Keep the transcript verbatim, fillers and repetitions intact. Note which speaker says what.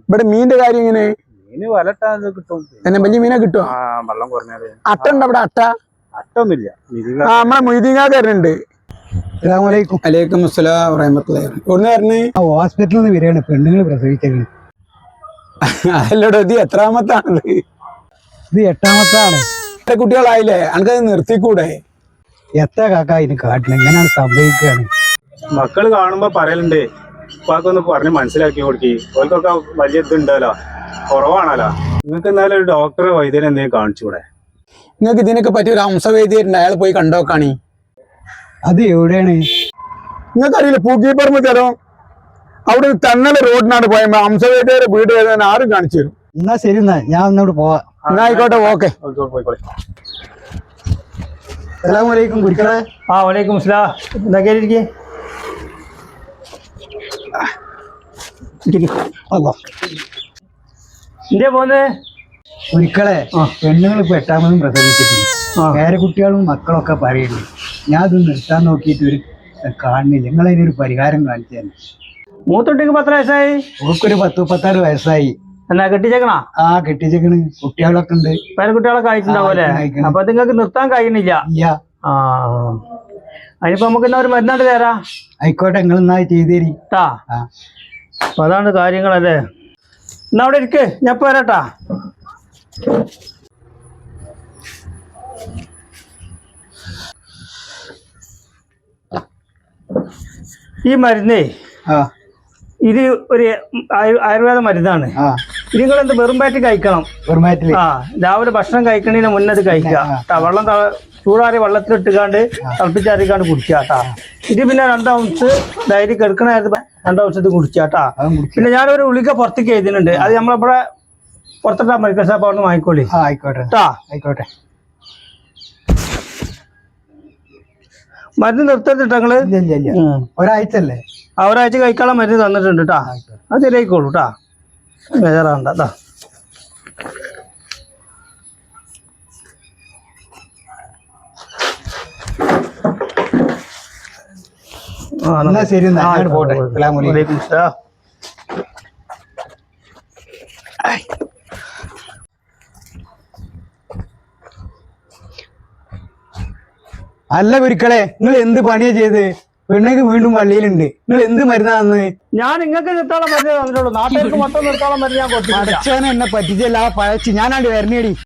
Speaker 1: ഇവിടെ മീനിന്റെ കാര്യം എങ്ങനെ?
Speaker 2: മീന് വലട്ടാ കിട്ടും.
Speaker 1: എന്നെ വലിയ മീനെ കിട്ടും.
Speaker 2: വെള്ളം കുറഞ്ഞാല്
Speaker 1: അട്ട ഉണ്ട് അവിടെ? അട്ട
Speaker 2: അട്ടൊന്നുമില്ല.
Speaker 1: ആ നമ്മളെ മൊയ്തീങ്ങാക്കാരനുണ്ട്. അലൈക്കും അസ്സലാം വറഹ്മത്തുള്ളാഹി. എവിടുന്ന് വരണേ?
Speaker 3: ഹോസ്പിറ്റലിൽ നിന്ന് വരികയാണ്. പെണ്ണുങ്ങൾ പ്രസവിച്ചേക്കണ്.
Speaker 1: അല്ലടോ, ഇത് എത്രാമത്താണത്?
Speaker 3: ഇത് എട്ടാമത്താണ്.
Speaker 1: എത്ര കുട്ടികളായില്ലേ? അനക്കത് നിർത്തിക്കൂടെ?
Speaker 3: എത്ര കാക്ക ഇതിന് കാട്ടണം? എങ്ങനെയാണ് സംഭവിക്കുകയാണ്?
Speaker 2: മക്കള് കാണുമ്പോ പറയലുണ്ട്, ഉപ്പാക്കൊന്ന് പറഞ്ഞ് മനസ്സിലാക്കി കൊടുക്കി. ഓർക്കൊക്കെ വലിയ ഇതുണ്ടല്ലോ, കുറവാണല്ലോ. നിങ്ങൾക്ക് എന്നാലും ഒരു ഡോക്ടറെ വൈദ്യനെ എന്തെങ്കിലും കാണിച്ചൂടെ?
Speaker 1: നിങ്ങൾക്ക് ഇതിനൊക്കെ പറ്റിയ ഒരു ഹംസവേദിയുണ്ട്, അയാൾ പോയി കണ്ടോക്കാണി.
Speaker 3: അത് എവിടെയാണ്?
Speaker 1: നിങ്ങൾക്കറിയില്ല, പൂക്കീപ്പറമ്പ് തരും. അവിടെ തന്നല റോഡിനാണ് പോയപ്പോ ഹംസവേദിയുടെ വീട് ഏതാണ് ആരും കാണിച്ചു തരും.
Speaker 3: എന്നാ ശരി, എന്നാ ഞാൻ ഒന്നോട് പോവാ.
Speaker 1: എന്നാ ആയിക്കോട്ടെ, ഓക്കെ.
Speaker 3: അസ്സലാമലൈക്കും കുടിക്കണേ.
Speaker 4: ആ വലൈക്കും അസ്സലാം. എന്തൊക്കെ ഇരിക്കേ? എന്തേ പോന്നേ?
Speaker 3: ഒരിക്കലേ പെണ്ണുങ്ങൾ ഇപ്പൊ എട്ടാമതും പ്രസവിച്ചിട്ടുണ്ട്. വേറെ കുട്ടികളും മക്കളൊക്കെ പറയുന്നു. ഞാൻ ഇത് നിർത്താൻ നോക്കിയിട്ട് ഒരു കാണുന്നില്ല. നിങ്ങളതിനൊരു പരിഹാരം കാണിച്ചു തന്നെ.
Speaker 4: മൂത്തൊട്ടിക്ക് പത്ര വയസ്സായി?
Speaker 3: ഓക്കൊരു പത്ത് മുപ്പത്താറ് വയസ്സായി.
Speaker 4: എന്നാ കെട്ടിച്ചേക്കണാ?
Speaker 3: ആ കെട്ടിച്ചേക്കണ്. കുട്ടികളൊക്കെ ഉണ്ട്.
Speaker 4: പേരക്കുട്ടികളൊക്കെ അയച്ചിട്ടുണ്ടാവൂലേ? അപ്പൊ നിങ്ങൾക്ക് നിർത്താൻ കഴിയണില്ല. ആ അതിനിപ്പോ നമുക്ക് എന്നാ ഒരു മരുന്നാണ്ട് തരാ.
Speaker 3: ആയിക്കോട്ടെ, നിങ്ങൾ എന്നാ ചെയ്ത് തരി.
Speaker 4: അപ്പൊ അതാണ് കാര്യങ്ങളല്ലേ. എന്നാ അവിടെ ഇരിക്ക്, ഞാൻ ഇപ്പൊ വരാട്ടാ. ഈ മരുന്നേ ഇത് ഒരു ആയുർവേദ മരുന്നാണ്. ഇത് നിങ്ങൾ എന്ത് വെറും വയറ്റിൽ കഴിക്കണം. ആ രാവിലെ ഭക്ഷണം കഴിക്കണതിന് മുന്നേ അത് കഴിക്കുക. വെള്ളം ചൂടാറിയ വെള്ളത്തിലിട്ടുകാണ്ട് തിളപ്പിച്ചാറിക്കാണ്ട് കുടിക്കാട്ടാ. ഇത് പിന്നെ രണ്ടാം ഔൺസ് ഡയറി കിടക്കണായിരുന്നു. രണ്ടാം ഔൺസ് കുടിച്ചാട്ടാ. പിന്നെ ഞാനൊരു ഉളിക പുറത്തേക്ക് എഴുതുന്നുണ്ട്. അത് നമ്മളിവിടെ പുറത്തിട്ടാ മെഡിക്കൽ ഷോപ്പ് അവിടെ നിന്ന് വാങ്ങിക്കോളി.
Speaker 3: ആയിക്കോട്ടെ ആയിക്കോട്ടെ.
Speaker 4: മരുന്ന് നിർത്തരുതിട്ടാ നിങ്ങള്.
Speaker 3: ഒരാഴ്ച അല്ലേ?
Speaker 4: ആ ഒരാഴ്ച കഴിക്കാനുള്ള മരുന്ന് തന്നിട്ടുണ്ട് കേട്ടാ. അത് ശരിയായിക്കോളൂ കേട്ടാ, ബേജാറാണ്ട.
Speaker 3: ശരി, പോട്ടെ. അല്ല കുരുക്കളെ, നിങ്ങൾ എന്ത് പണിയാ ചെയ്ത്? പെണ്ണക്ക് വീണ്ടും പള്ളിയിലുണ്ട്. നിങ്ങൾ എന്ത് മരുന്നാന്ന്?
Speaker 4: ഞാൻ നിങ്ങൾക്ക് നിർത്താനുള്ള മരുന്ന് തന്നിട്ടുള്ളൂ. നാട്ടുകാർക്ക് മൊത്തം നിർത്താനുള്ള മരുന്ന് ഞാൻ കൊടുത്തു.
Speaker 3: അടച്ചവനെ എന്നെ പറ്റിച്ചല്ല. ആ പഴച്ച് ഞാനാണ്ട് വരണേടി.